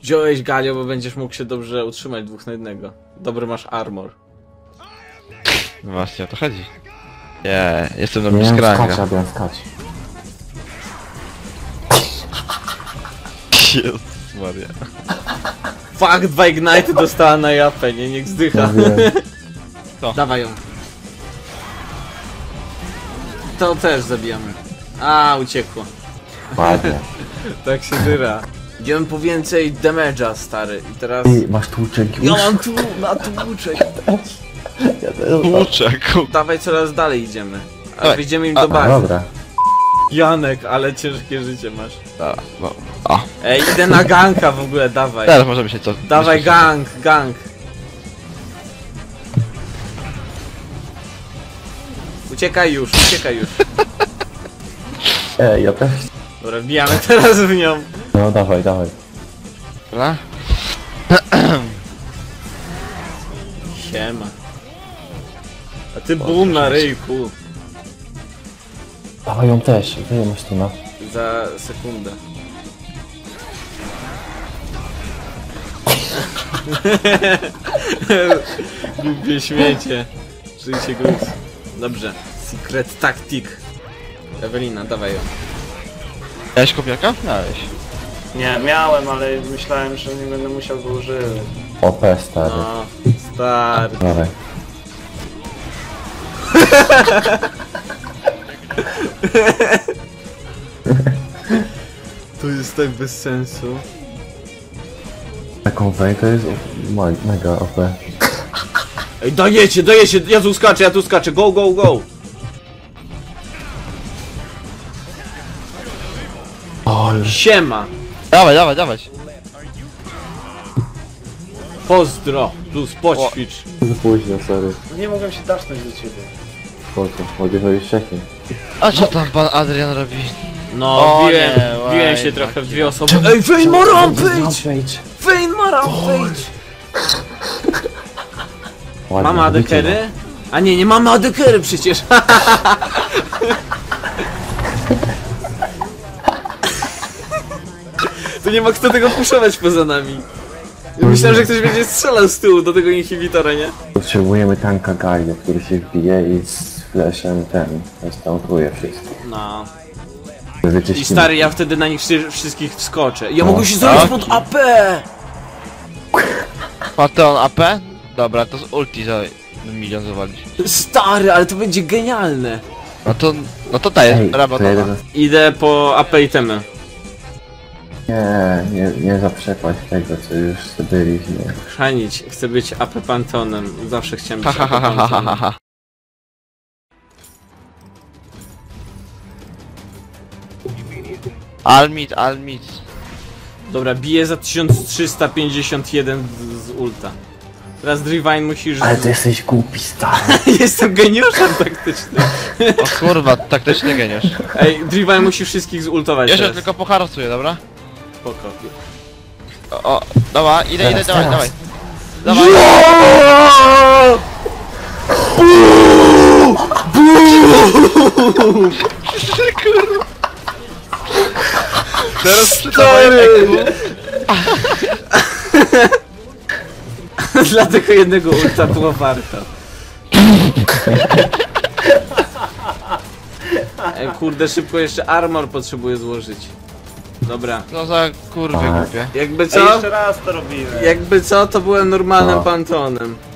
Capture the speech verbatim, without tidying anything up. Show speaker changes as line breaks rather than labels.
Wziąłeś Galio, bo będziesz mógł się dobrze utrzymać dwóch na jednego. Dobry masz armor.
No właśnie o to chodzi. Nie, jestem na
Nie
blisko
wiem, skacz,
ranga.
Adrian, skacz.
Jezus Maria.
Fuck, dwa Ignite dostała na japę, nie? Niech zdycha.
Ja wiem.
Co?
Dawaj ją. To też zabijamy. A, uciekło.
Ładnie.
Tak się dyra. Idziemy po więcej damage'a, stary. I teraz...
Ty, masz tłuczek już?
Ja mam tu, na tłuczek.
Ja też.
Tłuczek.
Dawaj, coraz dalej idziemy. A
Dawaj.
wyjdziemy im
A,
do
A,
bazy.
dobra.
Janek, ale ciężkie życie masz.
A, no. A,
Ej, idę na ganka w ogóle, dawaj.
teraz możemy się co...
Dawaj
myśleć.
gang, gang. Uciekaj już, uciekaj już.
Ej, ja też.
Dobra, wbijamy teraz w nią.
No dawaj, dawaj.
Dobra?
Siema. A ty boom na ryjku.
Dawaj ją też, wyjdę masz tu na.
Za sekundę. Głupie śmiecie. Żyjcie gruz. Dobrze. Secret tactic. Ewelina, dawaj ją.
Miałeś kopiaka? Miałeś.
Nie, miałem, ale myślałem, że nie będę musiał go używać.
O P, stary.
No, stary.
Dawaj.
To jest tak bez sensu.
Taką wej to jest o- mega O P.
Ej, dajecie, dajecie, ja tu skaczę, ja tu skaczę, go, go, go!
O, już
Siema!
Dawaj, dawaj, dawaj.
Pozdro, plus poćwicz.
za późno, sorry.
Nie mogłem się dasznąć do ciebie.
Spoko, mogę zrobić wcześniej.
A co tam pan Adrian robi?
No,
O
biłem,
nie,
biłem
łaj,
się trochę w
taki-
dwie osoby. Ej, Vayne ma rampage! Vayne ma rampage!
Ładnie,
Mamy
widzicie,
adekery? A nie, nie mamy adekery przecież! To nie ma kto tego puszować poza nami. Myślałem, że ktoś będzie strzelał z tyłu do tego inhibitora, nie?
Potrzebujemy tanka Galio, który się wbije i z flashem ten, restauruje wszystko.
No. I
Wyczyścimy.
stary, ja wtedy na nich wszy- wszystkich wskoczę. Ja
No.
mogę się zrobić
Tak?
pod A P!
Pateon A P? Dobra, to z ulti za milion zawalić.
Stary, ale to będzie genialne.
No to, no to daje,
Ej, to
rabatowa.
jeden...
Idę po A P itemy.
Nie, nie, nie zaprzepaść tego, co już zdobyliśmy.
Chrzanić, chcę być A P Pantonem. Zawsze chciałem
Ha
być
ha
A P
ha ha ha ha
Pantonem.
ha. Almit, Almit.
Dobra, biję za tysiąc trzysta pięćdziesiąt jeden z, z ulta. Teraz Drivine musisz...
Ale ty jesteś głupi, stary.
Jestem geniuszem taktycznym.
O kurwa, taktyczny geniusz.
Ej, Drivine musi wszystkich zultować
Jeszcze
teraz.
tylko poharasuję, dobra?
Spoko.
O, o dobra, idę, idę,
Teraz,
dawaj,
teraz.
dawaj. Dawaj. Kurwa. Teraz
Stary! Dla tego jednego ulta było warto. Ej, kurde, szybko jeszcze armor potrzebuję złożyć. Dobra.
No za kurwy
A.
głupie.
Jakby
Ej,
co?
jeszcze raz to robimy.
Jakby co, to byłem normalnym
No.
Pantonem.